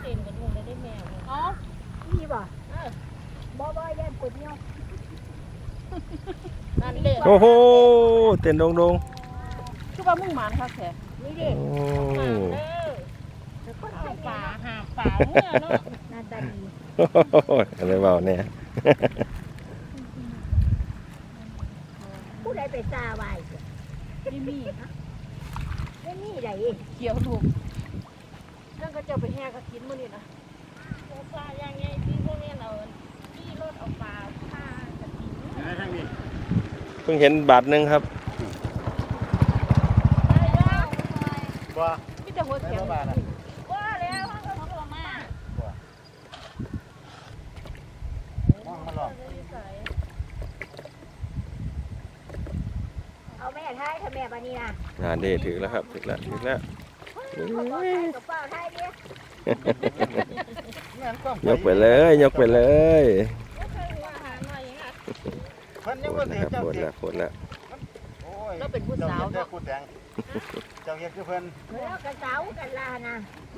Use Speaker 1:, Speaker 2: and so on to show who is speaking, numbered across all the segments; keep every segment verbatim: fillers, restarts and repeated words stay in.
Speaker 1: ต้นกระดุมได้แมวอ๋อ
Speaker 2: มีบ่บ่บ่แย่ปวดเนาะ
Speaker 1: นั่นเด็ก
Speaker 3: โอ้โหเต้นดง
Speaker 1: ๆคือว่ามึงหมานครับแท้
Speaker 2: นี่ดิ
Speaker 1: หมานเด้อป่าหาป่าเมื่อเนาะ
Speaker 2: หน้าตาดี
Speaker 3: อะไรเปล่าเนี่ย
Speaker 2: ผู้ใดไปซาไว้
Speaker 1: ไม่มี
Speaker 2: ไม่มีใด
Speaker 1: เกี่ยวลูกนั่นก็จะไปแห่กระถินมื้อนี้นะปลาอย่างไงที่พวกนี้เอาที่รถเอาปลาผ้ากระถิน
Speaker 3: เพิ่งเห็นบาทหนึ่งครับ
Speaker 1: ว่ามีแต่หัวเสียงว่าแล้วเขาก็บอกมา
Speaker 2: เอาแม่ท้ายถ้าแม่ปานี่นะ
Speaker 3: งานเด้ถึงแล้วครับถึงแล้วถึงแล้ว
Speaker 2: กับเป้าท้ายดิ
Speaker 3: ยกไปเลยยกไปเลย
Speaker 4: เพิ่นยังบ่ถือเจ้า
Speaker 3: โคตรแล้วโคตรแล้ว
Speaker 1: เราเป็นผู้สาวเนาะ
Speaker 4: ผู้แต่งเจ้าเฮ็ดคือเพิ่น
Speaker 2: แล้วกระเสากันลานะ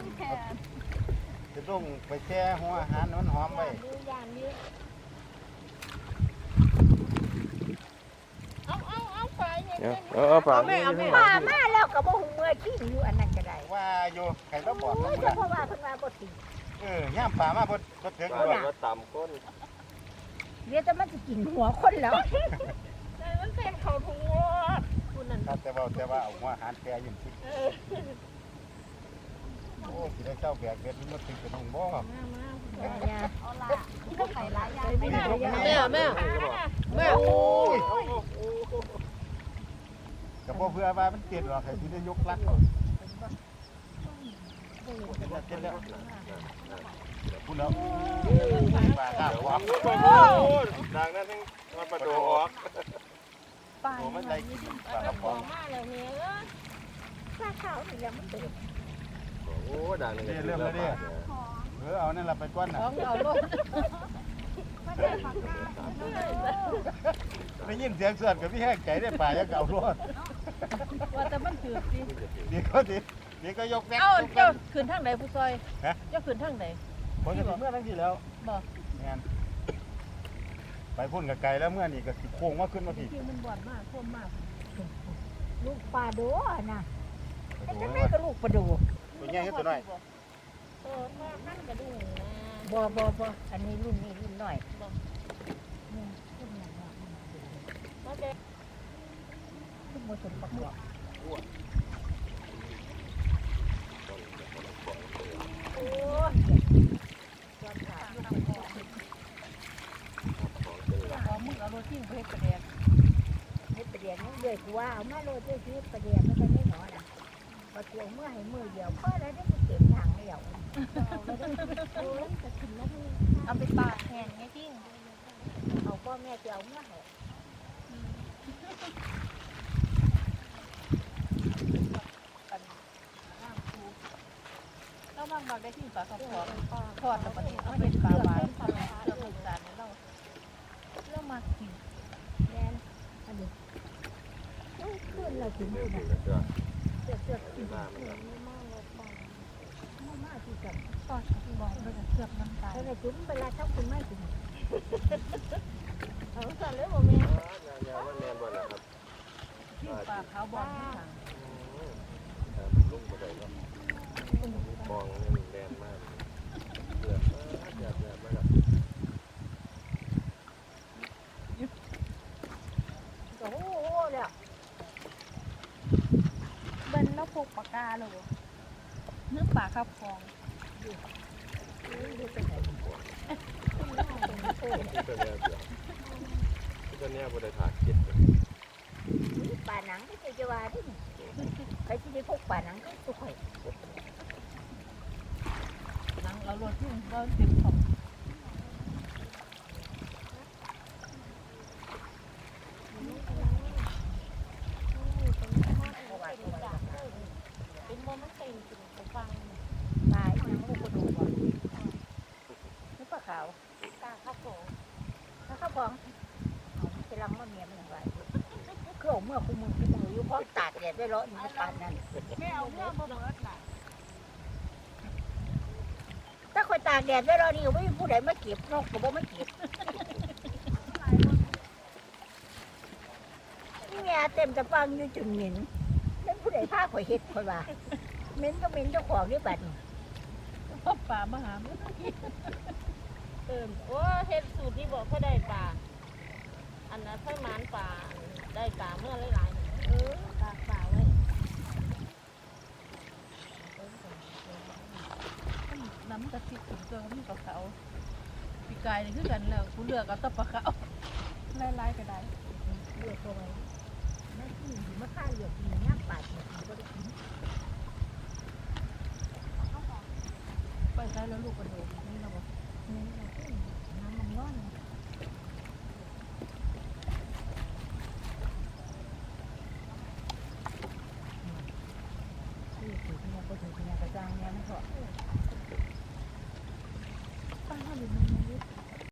Speaker 4: จะต้องไปแช่หัวอาหารมันหอมไว้
Speaker 1: เอาเอาเอาไปเนี่ย
Speaker 3: เอาเอาปลา
Speaker 2: ปลามาแล้วก็บ่ฮู้เมื่อขี้อยู่อันนั้นก็ได้
Speaker 4: ว่าอยู่ใครต้องบอกนะ
Speaker 2: เพราะว่าเพิ่นว่าบ่ติ
Speaker 4: เออย่ามปลามาบ่บ่ถึง
Speaker 3: ว่าต่ำก้น
Speaker 2: เดี๋ยวจะมันสิกินหัวคนแล้ว
Speaker 1: แต่มันเป็นเขาถุงงอคุณนั่น
Speaker 4: แต่ว่าแต่ว่าเอาหัวอาหารแช่อยู่สิโอ้สิได้เจ้าแบกเบ็ดมันถึงกระนุ่งบ่
Speaker 2: เอาล่ะต้องใส่หลายอย่างไม่ได้
Speaker 1: แม่แม่แม่โอ้ย
Speaker 4: ก็บ่เพื่อว่ามันเตียนหรอกให้สิได้ยกลักเอาเต็มแล้วพูดแล้วปลาข้าวหอม
Speaker 3: ดังนั้นทั้งมันประตูออก
Speaker 4: ปลามันได้กินปลากระป๋อง
Speaker 1: มาแล้วเนี่ย
Speaker 2: ปลาขาวนี่แล้วมันเติบ
Speaker 3: โอ้ดังเลย
Speaker 4: เริ่มแล้วเนี่ยเออเอานั่นล่ะไปก้อนน่ะ
Speaker 1: เอาลูก
Speaker 4: ได้ยินเสียงเสือกับพี่แห้งใจได้ปลายังเอารอด
Speaker 1: ว่าแต่มันถือสิ
Speaker 4: เดี๋ยวก็ดิเดี๋ยวก็ยกแบก
Speaker 1: เอ้าเจ้าขึ้นทางไหนผู้ซอยเจ้าขึ้นทางไหน
Speaker 4: ผมจะเมื่อทั้งที่แล้ว
Speaker 1: บอก
Speaker 4: งานไปพุ่นกับไก่แล้วเมื่อนี่ก็โค้งว่าขึ้นมาที
Speaker 1: มันบ่อนมากท่วมมาก
Speaker 2: ลูกปลาโดนะแต่แม่ก็ลูกปลาโด
Speaker 4: ตัวใหญ่ขึ้นตัวน้อย
Speaker 1: เออถ้านั่นกระดูกนะ
Speaker 2: บ่บ่บ่อันนี้รุ่นนี้รุ่นน้อยขึ้นมาสมประกอบโอ้ย
Speaker 1: ขอมึงเอาโรตีเพชรประเดี๋ยว
Speaker 2: เพชรประเดี๋ยวนี่เดือดกว่าเอามาโรตีเพชรประเดี๋ยวมันจะไม่หนอนะพอเกี่ยวเมื่อให้มือเดียวพอแล้วได้เก็บทางเดียว
Speaker 1: เอาไปปาแทนไงพี่
Speaker 2: เอาพ่อแม่จะเอาเมื่อไหร่
Speaker 1: เราบางบางได้ที่ปลาทอดทอดแล้วก็นี่ต้องเป็นปลาหวานปลาหวานเราถูกจานเราเรื่องมากิน
Speaker 2: แน่อันนี้ขึ้นเราถึงดูนะเสือกเสือกกินมากเลยมากเลยมากมากที่สุด
Speaker 1: ทอดบอกเราจะเสือกน้ำตาล
Speaker 2: แล้วจุ๊บเวลาชอบคุณไม่กิน
Speaker 1: เอาสั่นเลยบ่แม่
Speaker 3: ยาวมันแมนบ่ล่ะครับ
Speaker 1: ปลาขาวบอลที่สั่ง
Speaker 3: ลุงบ่ได้เนาะมองนี่แดนมากเดือดมากเดือดเดือดมากครับ
Speaker 2: โอ้โหเนี่ย
Speaker 1: เบิ้ลแล้วพกปากกาเลยเนื้อปลาข้าวฟอง
Speaker 3: ตัวนี้บริษัทเก็บ
Speaker 2: ป่าหนังที่เคยจะว่าที่ใครที่ได้พกป่าหนังก็สุขเลย
Speaker 1: หนังเราโรยที่เราติดของเป็นโมเมนต์เป็นสิ่งของฟัง
Speaker 2: ตายหนังลูกกระดูกก่อนนี่ปลาขาว
Speaker 1: ปลาข้าวฟอง
Speaker 2: ถ้าข้าวฟองจะลังมะเมียมันอะไรเครื่องเมื่อคุณมึงคุณมึงอยู่พร้อมตัดเนี่ยได้ร้อยมันปานนั่น
Speaker 1: ไม่เอาเมื่อมาเบิดล่ะ
Speaker 2: ตากแดดไว้รอนี่ไม่มีผู้ใดมาเก็บนกก็บ่มาเก็บนี่แม่เต็มตะปังอยู่จุดเหม็นนั่นผู้ใดพาข่อยเฮ็ดข่อยว่าเหม็นก็เหม็นเจ้าของนี่บัดนี้
Speaker 1: พ่อป่ามาหาเมื่อกี้เติมโอ้เฮ็ดสูตรที่บอกเขาได้ปลาอันนั้นไฟหมานปลาได้ปลาเมื่อหลายๆเออตากปลาไว้น้ำกะทิถึงตัวมันกับเขาปีกายนี่คือกันแล้วกูเลือกเอาแตะปลาเขาไล่ๆก็ได้
Speaker 2: เลือกเอาไว้แม่ที่อยู่มาฆ่าเหลือกกินย่างปลาเก็บมันก็ได้กิน
Speaker 1: ไปใช้แล้วลูกกระโดดนี่เราบอก
Speaker 2: น้ำมันร้อน